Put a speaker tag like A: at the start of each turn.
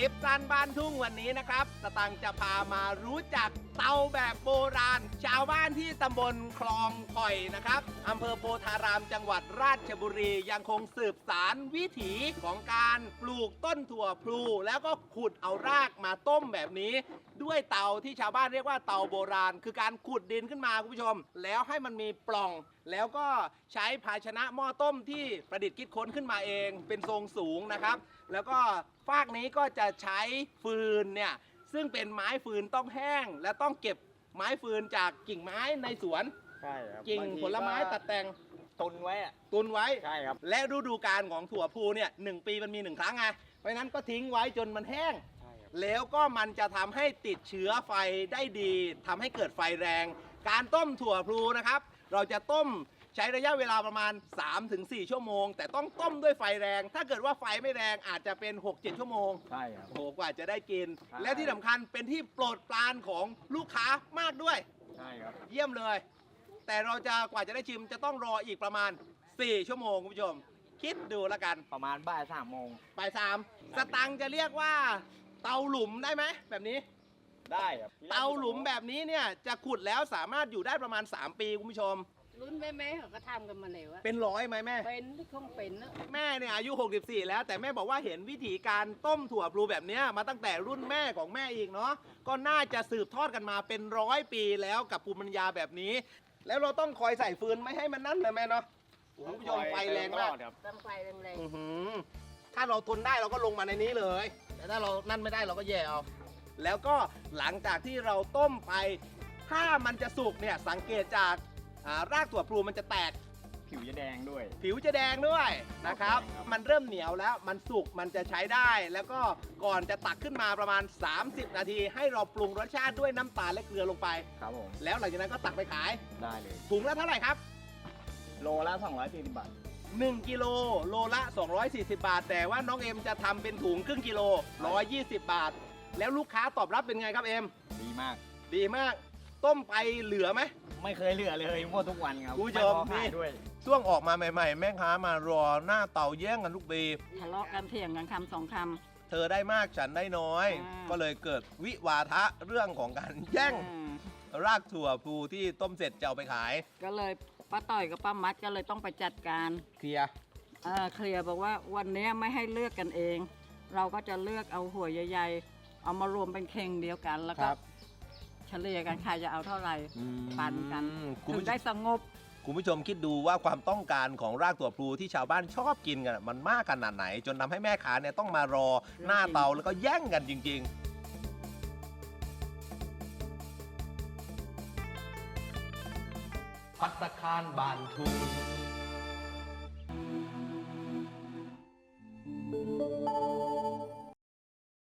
A: ลิปสั้นบ้านทุ่งวันนี้นะครับสตังค์จะพามารู้จักเตาแบบโบราณชาวบ้านที่ตำบลคลองข่อยนะครับอำเภอโพธารามจังหวัดราชบุรียังคงสืบสานวิถีของการปลูกต้นถั่วพลูแล้วก็ขุดเอารากมาต้มแบบนี้ ด้วยเตาที่ชาวบ้านเรียกว่าเตาโบราณคือการขุดดินขึ้นมาคุณผู้ชมแล้วให้มันมีปล่องแล้วก็ใช้ภาชนะหม้อต้มที่ประดิษฐ์คิดค้นขึ้นมาเองเป็นทรงสูงนะครับแล้วก็ฟากนี้ก็จะใช้ฟืนเนี่ยซึ่งเป็นไม้ฟืนต้องแห้งและต้องเก็บไม้ฟืนจากกิ่งไม้ในสวน
B: ใช่ครับ
A: กิ่งผลไม้ตัดแต่ง
B: ตุนไว้อะ
A: ตุนไว้
B: ใช่ครับ
A: และฤดูกาลของถั่วพลูเนี่ย1 ปีมันมี1 ครั้งไงเพราะฉะนั้นก็ทิ้งไว้จนมันแห้ง
B: ใช่ครับ
A: แล้วก็มันจะทำให้ติดเชื้อไฟได้ดีทำให้เกิดไฟแรง การต้มถั่วพลูนะครับ เราจะต้มใช้ระยะเวลาประมาณ 3-4 ชั่วโมง แต่ต้องต้มด้วยไฟแรง ถ้าเกิดว่าไฟไม่แรงอาจจะเป็น 6-7 ชั่วโมง
B: ใช่ครับ
A: โอ้โหกว่าจะได้กิน
B: ใช่
A: และที่สำคัญเป็นที่โปรดปรานของลูกค้ามากด้วย
B: ใช่ครับ
A: เยี่ยมเลย แต่เราจะกว่าจะได้ชิมจะต้องรออีกประมาณ 4 ชั่วโมงคุณผู้ชม คิดดูแล้วกัน
B: ประมาณบ่าย3 โมง
A: บ่ายสามสตังค์จะเรียกว่าเตาหลุมได้ไหมแบบนี้
B: ได้ครับ
A: เตาหลุมแบบนี้เนี่ยจะขุดแล้วสามารถอยู่ได้ประมาณ 3 ปีคุณผู้ชม
C: รุ่นแม่เขาก็ทำกันมาแล้วอะ
A: เป็นร้อยไหมแม่
C: เป็นที่คงเป็นนะ
A: แม่เนี่ยอายุ 64 แล้วแต่แม่บอกว่าเห็นวิธีการต้มถั่วพลูแบบเนี้ยมาตั้งแต่รุ่นแม่ของแม่อีกเนาะก็น่าจะสืบทอดกันมาเป็น100 ปีแล้วกับภูมิปัญญาแบบนี้ แล้วเราต้องคอยใส่ฟืนไม่ให้มันนั่นเลยแม่เนาะโอ้โหคุณผู้ชมไฟแรงมาก
B: ครับ
C: ต้องไฟแรง
A: อื้อหือถ้าเราทนได้เราก็ลงมาในนี้เลย แต่ถ้าเรานั่นไม่ได้เราก็แย่เอา แล้วก็หลังจากที่เราต้มไป ถ้ามันจะสุกเนี่ยสังเกตจากรากถั่วพลูมันจะแตก
B: ผิวจะแดงด้วย
A: ผิวจะแดงด้วยนะครับ
B: ครับ
A: มันเริ่มเหนียวแล้ว มันสุก มันจะใช้ได้ แล้วก็ก่อนจะตักขึ้นมาประมาณ 30 นาที ให้เราปรุงรสชาติด้วยน้ำตาลและเกลือลงไป
B: ครับผม
A: แล้วหลังจากนั้นก็ตักไปขาย
B: ได้เลย
A: ถุงละเท่าไหร่ครับ
B: โลละ240 บาท
A: 1 กิโลโลละ 240 บาท แต่ว่าน้องเอ็มจะทำเป็นถุงครึ่งกิโล 120 บาท แล้วลูกค้าตอบรับเป็นไงครับเอ็ม
B: ดีมาก
A: ดีมาก ต้มไปเหลือไหม
B: ไม่เคยเหลือเลยหมดทุกวันครับ
A: คุณผู้ชม
B: ไพอขาย
A: นี่
B: ด้วย
A: ช่วงออกมาใหม่ๆ แม่ค้ามารอหน้าเตาแย่งกันทุกปี
C: ๆทะเลาะกันเถียงกันคำสองค
A: เธอได้มากฉันได้น้อย
C: อ่า
A: ก็เลยเกิดวิวาทะเรื่องของการ
C: ำ
A: แย่ง
C: อืม
A: รากถั่วพลูที่ต้มเสร็จจะเอาไปขาย
C: ก็เลยป้าต่อยกับป้ามัดก็เลยต้องไปจัดการ
A: เคลียร์
C: เคลียร์บอกว่าวันนี้ไม่ให้เลือกกันเอง เราก็จะเลือกเอาหัวใหญ่ๆ เอามารวมเป็นเข่งเดียวกันแล้วก็เฉลี่ยกันใครจะเอาเท่าไหร่ปันกัน
A: คุณ
C: ถึง
A: ผู้ช
C: ได้
A: ม
C: สงบ
A: คุณผู้ชมคิดดูว่าความต้องการของรากถั่วพลูที่ชาวบ้านชอบกินกันมันมากขนาดไหน จนทำให้แม่ค้าเนี่ยต้องมารอหน้าเตาแล้วก็แย่งกันจริง ๆ พัตตาคารบานทุง